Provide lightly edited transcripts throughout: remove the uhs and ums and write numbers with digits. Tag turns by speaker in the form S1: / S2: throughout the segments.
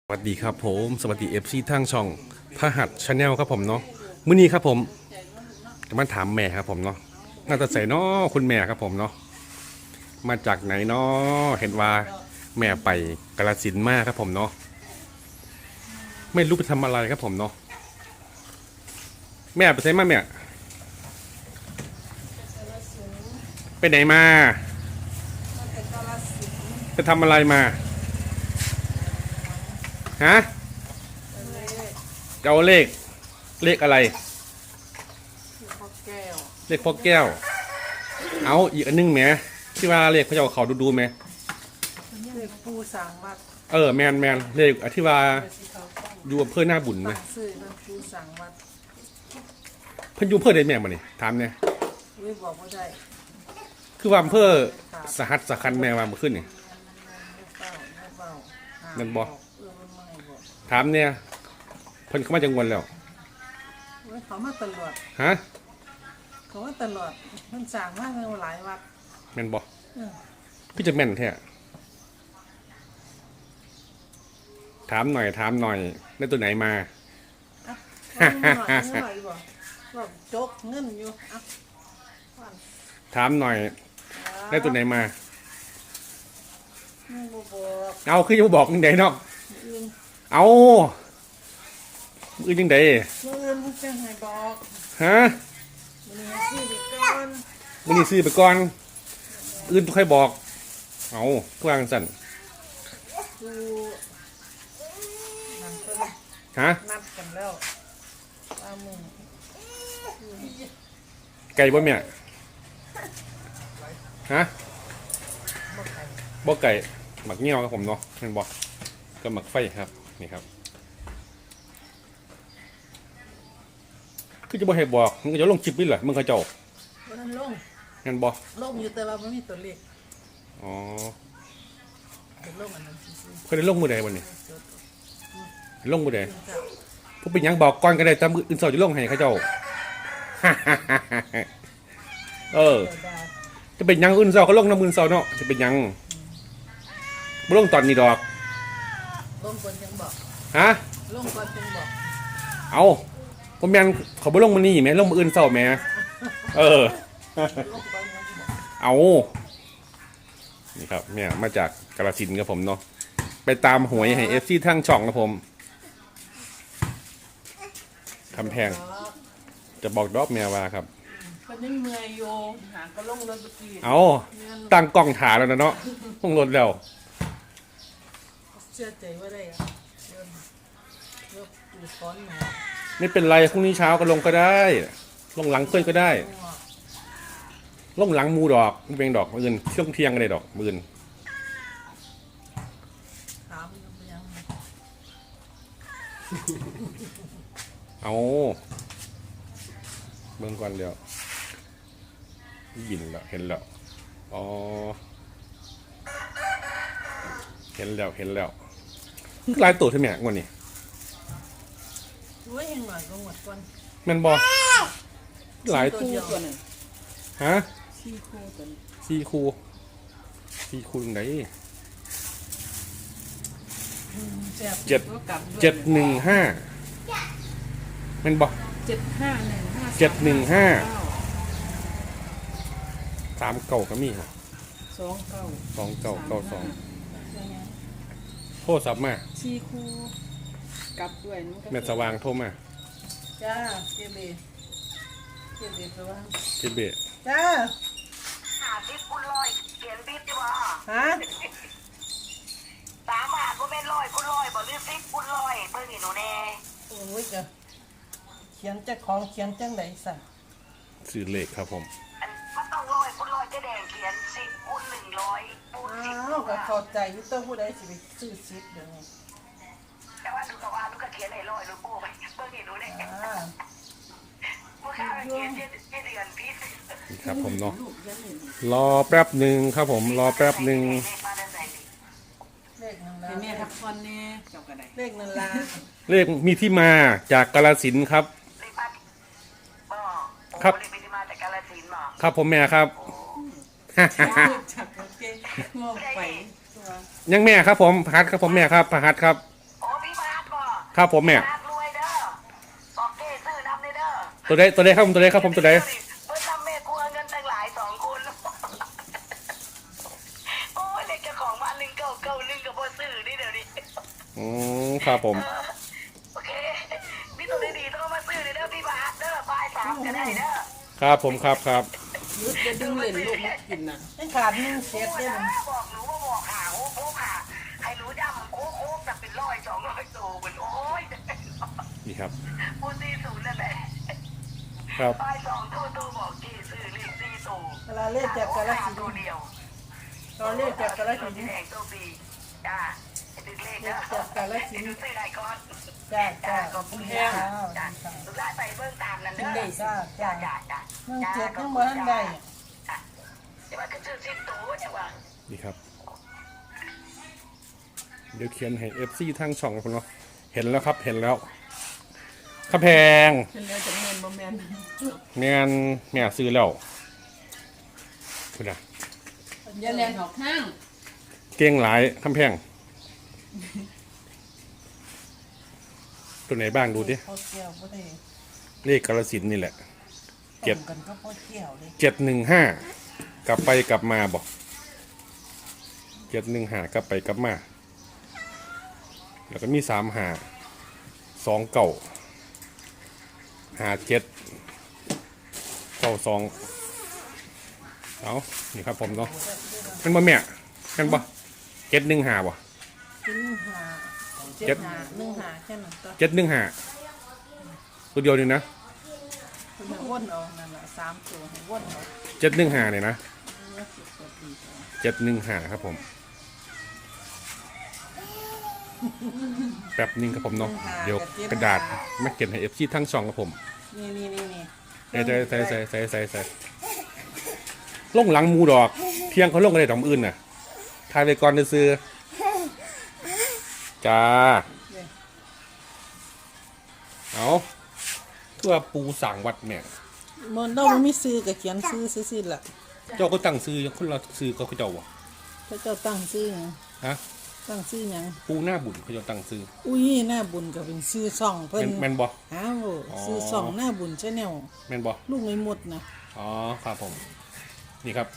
S1: สวัสดีครับผมสวัสดีFCทางช่องพหัสชาแนลครับผมเนาะมื้อนี้ครับผมจะมาถามแม่ครับผมเนาะน่าจะใส่เนาะคุณแม่ครับผมเนาะมาจากไหนเนาะเห็นว่าแม่ไปกาฬสินธุ์มาครับผมเนาะไม่รู้ไปทำอะไรครับผมเนาะแม่ไปไหนมาแม่ไปไหนมาไปทำอะไรมาฮะจะเอาเลขอะไร
S2: พ่อแก้ว
S1: เลขพ่อแก้วเอาอีกอันนึงแหมที่ว่าเลขพระเจ้าเขาดูไหม
S2: เลขปูสังวัด
S1: แมนเลขที่ว่าอยู่อำเภอหน้าบุญไหม
S2: ซื้อมันปูสังวัด
S1: เพิ่นอยู่อำเภอใดแม่มานี่ถามเนี่ย
S2: ไม่บอกว่าได้
S1: คือว่าอำเภอสหัสสคัญแม่ว่ามาขึ้นนี่นั่นบอกถามเนี่ยเพิ่นเข้ามาจังหวัดแล้ว
S2: เขามาตลอด
S1: ฮะ
S2: เขามาตลอดมันสั่งมากเลยหลายวัด
S1: แม่นบอกพี่จะแม่นแท้ถามหน่อยได้ตัวไหนมา
S2: จกเงินอยู่
S1: ถามหน่อยได้ตัวไหนมาเอาคือจะบอกยังไงเนาะเอาอื่นยังไง
S2: อื่นจะให้บอก
S1: ฮะมันนี่ซื้อไปก่อนอื่นต้องใครบอกเอากลางสั่นฮะ
S2: นัดกันแล้ว
S1: ไก่บ่เนี่ยฮะบ่ไก่หมักเงี้ยวครับผมเนาะเห็นบ่ก็หมักไฟครับนี่ครับคือจะบ่ให้บอกมึงจะลงคลิปนี่แหละมึงเขาเจ้า
S2: มันลง
S1: งั้นบ่
S2: ลงอยู่แต่ว่าไม่มีตัวเลข
S1: อ๋อ
S2: ลงอันนั้น
S1: เคยได้ลงมือใดวันนี้ลงมือใดพวกเป็นยังบอกก่อนก็ได้แต่มืออื่นเสาจะลงให้เขาเจ้าจะเป็นยังอื่นเสาก็ลงน้ำมือเสาเนาะจะเป็นยังบ่ลงตอนนี้ดอก
S2: ลงก่อนจังบอก
S1: ฮะ
S2: ลงก่อนจังบอก
S1: เอาผมยังเขาบ่ลงมือนี่ไหมลงมืออื่นเสาไหมเอานี่ครับเนี่ยมาจากกาฬสินธุ์ครับผมเนาะไปตามหวยให้FCทั้งช่องครับผมคำแพงจะบอกดอกแมวว่าครับ
S2: เป็นยังเมื่อยโยหาก็ลงรถกี้
S1: เอาตั้งกล้องถ่ายแล้วนะเนาะลงรถแล้ว
S2: เชื่อใจว่าได้อะยกอยู่ซ้อนมา
S1: ไม่เป็นไรพรุ่งนี้เช้าก็ลงก็ได้ลงหลังเพื่อนก็ได้ลงหลังมูดอกไม่เป็นดอกมื่นช่วงเที่ยงก็ได้ดอกมื่นเอาเบิ่งก่อนเดี๋ยวยินแล้วเห็นแล้วอ๋อเห็นแล้วลายตัวใช่ไหมงวดนี้
S2: รู้ยังหน่อยก็หมดก่อน
S1: มันบอกหลายตัวฮะสี่คู่ไหน715มันบอก715 3 เก่าก็มีครับ2 เก่าโทรศัพท์มา
S2: สี่คู่กลับด้วย
S1: แม่สว่างโทรมา
S2: จ้าเจเบสว่างจ้า
S3: 50 คูณ 100เขียนบิ๊บดีบ่
S2: ฮะ
S3: 3 บาทบ่แม่น100 คูณ 100บ่หรือ10 คูณ 100เบิ่งนี่หนูแน่
S2: โอ้ยจ้ะเขียนจักของเขียนจังได๋สั่น
S1: ซื้อเลขครับผม
S3: มันต้อง100 คูณ 100จะแดงเขียน10 คูณ 100คูณ10
S2: ก็เข้าใจอยู่ตัวผู้ใดสิไปซื้อ10เดี๋ยวนี้
S3: แต่ว่าลูกก็เขียนให้100ลูกโบ้ไปเบิ่งนี่หนูแน่บ่ค่าเขียนเดือนพิษ
S1: ครับผมเนาะรอแป๊บหนึ่งครับผมรอแป๊บหนึ่ง
S2: เลขนั่นล่ะแม่ทักคนแน่เจ้าก็ได้เลขนั่นล่ะ
S1: เลขมีที่มาจากกาฬสินธุ์ครับครับ
S3: เลขมีที่มาจากกาฬสินธุ์บ่
S1: ครับผมแม่ครับ
S2: งงไป
S1: ยังแม่ครับผมพหัสครับผมแม่ครับพหัสครับ
S3: โอ้มี
S1: ครับผมแม่
S3: รวยเด้อบอกเก้ซื้อน้ำเลยเด้อ
S1: ตัวใดครับผมตัวใดครับผมตัวใด
S3: เพื่อทำแม่กลัวเงินตั้งหลาย2 คนโอ้ยเล็กเจ้าของบ้าน191กับพ่อซื้อนี่เดี๋ยวนี้
S1: ครับผม
S3: โอเคพี่ตัวดีๆต้องมาซื้อเด้อพี่บาทเด้อบ่าย3จะได้เด้อ
S1: ครับผมครับ
S2: ยุดจะดึงเล่นลูกมากินน่ะให้ขาด1เซตได้มัน
S3: บอกหนูว่าบอกหาโอ้โหค่ะใครรู้ย่ำโค้กจะเป็น100-200ตัวเหมือนโอ้ย
S1: นี่ครับ
S3: พูด40นั่นแหละ
S1: ครับ
S3: บ่าย2ตัวบอกกี่ซื้อเลข4ตัว
S2: เวลาเลขจากกาลสิน
S3: ตัว
S2: ธุ์
S3: เดียว
S2: ตอนเลขจากกาลสิน
S3: แด
S2: ธุ์
S3: งตัวปีจ้าติดเลข
S2: เล
S3: เด้
S2: ขจากกาลสินธุ์
S3: ซื้อได้ก่อน
S2: จ้า
S3: จ้า
S2: จ้า
S3: ขอบคุณ
S2: แห้
S3: ค่ะ
S2: ง
S3: จ้าสุดท้ายไปเบิ่งตามนั่นเด้อ
S2: จ้า
S3: จ้า
S2: จ้า
S3: จ้าจ้า
S2: เมืองเจ็ดยังบ่ทันได้
S3: จะว่าก็ซื้อ10ตัวจะว่า
S1: นี่ครับ เดี๋ยวเขียนให้ FC ทางช่องผมเนาะเห็นแล้วครับเห็นแล้วข้าแพง
S2: เป็นแล้วจะแม่นบ่แม่น
S1: แม่ซื้อแล้วคุณอะ
S2: อย่าแลนออกข้าง
S1: เก่งหลายข้าแพงตัวไหนบ้างดูดิ
S2: พ่อเกี่ยวบ่ได้
S1: เลขกาฬสินธุ์นี่แหละ เจ็ด
S2: ตรงกันก็พ่อเกี่ยวเลย
S1: 715กลับไปกลับมาบอก715กลับไปกลับมาแล้วก็มี35 29 57 92เอานี่ครับผมเนาะเป็นบ่แม่เป็นบ่715บ่
S2: กินหา
S1: เจ็ด
S2: 1หาแค่นั้นตัว
S1: 715ตัวเดียวนี่นะ
S2: คุณให้วนเอานั่นล่ะ3ตัวให้วนเอา
S1: 715เนี่ยนะ
S2: เนี่ยสิบกว่าปีก่อน
S1: 715ครับผมแป๊บนึงครับผมเนาะเดี๋ยวกระดาษมาเก็บให้ FC ทั้งช่องครับผม
S2: นี่
S1: ใส่ลงหลังหมูดอกเที่ยงเขาลงอะไรดอกอื่นน่ะทายไปก่อนซื้อจ้าเอาเพื่อปูสั่งวัดเนี่ย
S2: มันต้องมีซื้อกับเขียนซื้อซื่อๆล่ะ
S1: เจ้าก็ตั้งซื้อคนเราซื้อก็เขาเจ้าวะ
S2: ถ้าเจ้าตั้งซื้อหยัง
S1: ฮะ
S2: ตั้งซื้อหยัง
S1: ปูหน้าบุญเขาเจ้าตั้งซื้อ
S2: อุ้ยหน้าบุญก็เป็นซื้อซ่องเพิ่น
S1: แมนบอ
S2: อ้าวซื้อซ่องหน้าบุญชาแนล
S1: แมนบอ
S2: ลูกไม่หมดนะ
S1: อ๋อครับผมนี่ครับ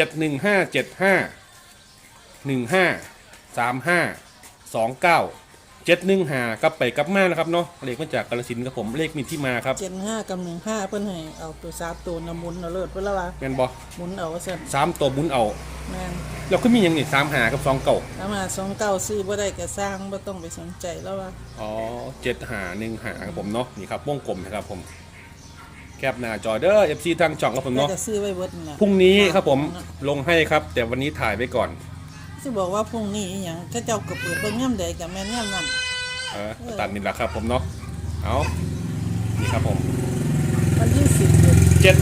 S1: 71575153529 715กลับไปกลับมานะครับเนาะเลขมาจากกาฬสินธุ์ครับผมเลขมีที่มาครับ
S2: 75กับ15เพิ่นให้เอาตัว3ตัวนะหมุนเอาเลิศเพิ่นละว่า
S1: แมนบอ
S2: หมุนเอาซั่น
S1: 3ตัวบุญเอา
S2: แม่น
S1: แล้วก็มีอย่างนี่35กับ29
S2: ถ้ามา29ซื้อบ่ได้ก็สร้างบ่ต้องไปสนใจแล้วว่า
S1: อ๋อ7515ครับผมเนาะนี่ครับวงกลมนะครับผมแคปหน้าจอเด้อ FC ทางช่องครับผม
S2: แล้ว
S1: เนาะ
S2: ก็ซื้อไว้เบิดนั่นล่ะ
S1: พรุ่งนี้ครับผมลงให้ครับ แต่วันนี้ถ่ายไว้ก่อน
S2: สิบอกว่าพรุ่งนี้อีหยังถ้าเจ้าก็เปิดเบิ่งยามใดก็แม่นยามนั้น
S1: ตัดนี่แหละครับผมเนาะเอานี่ครับผม
S2: วันที่10เดือน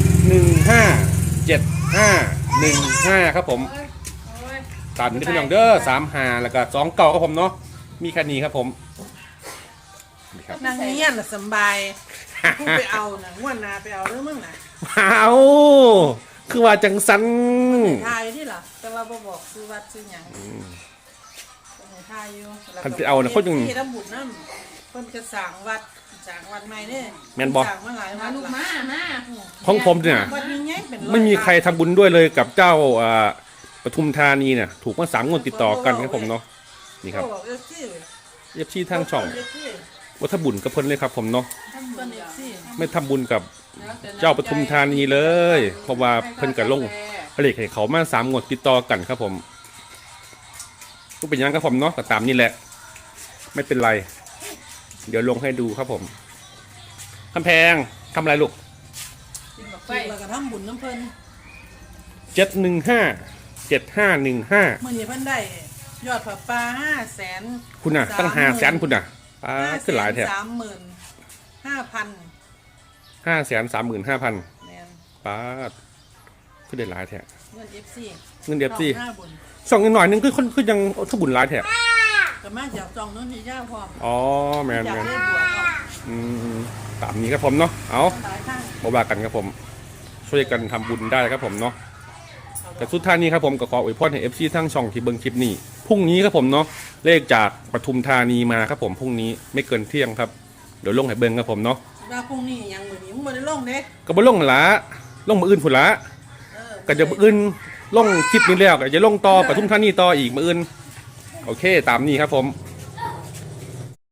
S1: 7157515ครับผมตัดนี่เป็นอย่างเด้อ35แล้วก็29ครับผมเนาะมีแค่นี้ครับผมนี่ครับ
S2: นางเงี้ยน่ะสำบายผู้ไปเอาน่ะงวดหน้าไปเอาเด้อมึงน่ะ
S1: เอาคือว่าจังสัน
S2: ทายที่ล่ะแต่ว่าบ่บอกซื้อวัดซื้อหยังทายอยู่
S1: คันไปเอานะเขาจัง
S2: ที่ระบุน้ำเพิ่นจะสร้างวัดใหม่เด้
S1: แม่นบ่
S2: สร้างมาหลายวัด
S4: ลูก
S2: ล่ะ
S4: มา
S1: ของผมเนี่ย
S2: วัดนี้ไงเป็นอย
S1: ไม่มีใครทำบุญด้วยเลยกับเจ้าปทุมธานีเนี่ยถูกมา3 งวดติดต่อกันครับผมเนาะนี่ครับ
S2: โอ้เอฟซี
S1: FC ทางช่อง
S2: เอฟซี
S1: วัฒบุญกับเพิ่นเลยครับผมเนาะ
S2: เพิ่นเอฟซี
S1: ไม่ทำบุญกับเจ้าปทุมธานีเลย เพราะว่าเพิ่นกับลงผลิตให้เขามา3 งวดติดต่อกันครับผมก็เป็นอยังครับผมเนาะก็ตามนี่แหละ ไม่เป็นไร เดี๋ยวลงให้ดูครับผมคำแพงทำอะไรลูก
S2: แล้วก็ทำบุญน้ำเพิ่น
S1: 7157515
S2: เมื่อนี้เพิ่นได้ยอดผ้าป่า500,000
S1: คุณน่ะตั้ง500,000คุณน่ะป้าขึ้นหลายแท้
S2: 35,000
S1: 535,000
S2: แม่น
S1: ป้าขึ้นได้หลายแท้
S2: เงิน FC
S1: เงินเดฟซี่
S2: ห้าบุญ
S1: ส่องนิดหน่อยนึงคือยังทบุญหลายแท้
S2: ก็มาจากจองนู้นที่ย่าพร้อม
S1: อ๋อแมน
S2: จาก
S1: แมน
S2: เล่บัวเอา
S1: อืมตามนี้ครับผมเนาะเอา
S2: หลายทาง
S1: บว่ากันครับผม ช่วยกันทำบุญได้ครับผมเนาะแต่สุดท้ายนี้ครับผมก็ขออวยพรให้ FC ทั้งช่องที่เบิ่งคลิปนี้พรุ่งรุ่งนี้ครับผมเนาะเลขจากปทุมธานีมาครับผมพรุ่งนี้ไม่เกินเที่ยงครับเดี๋ยวลงให้เบิ่งครับผมเนาะ
S2: ว่าพรุ่งนี้ยังมื้อนี้มึงบ่ได้ลงเด้
S1: ก็บ่ลงหั่นละลงมื้ออื่นพุ่นละ
S2: เออ
S1: ก็จะมื้ออื่นลงคลิปนี้แล้วก็จะลงต่อปทุมธานีต่ออีกมื้ออื่นโอเคตามนี้ครับผม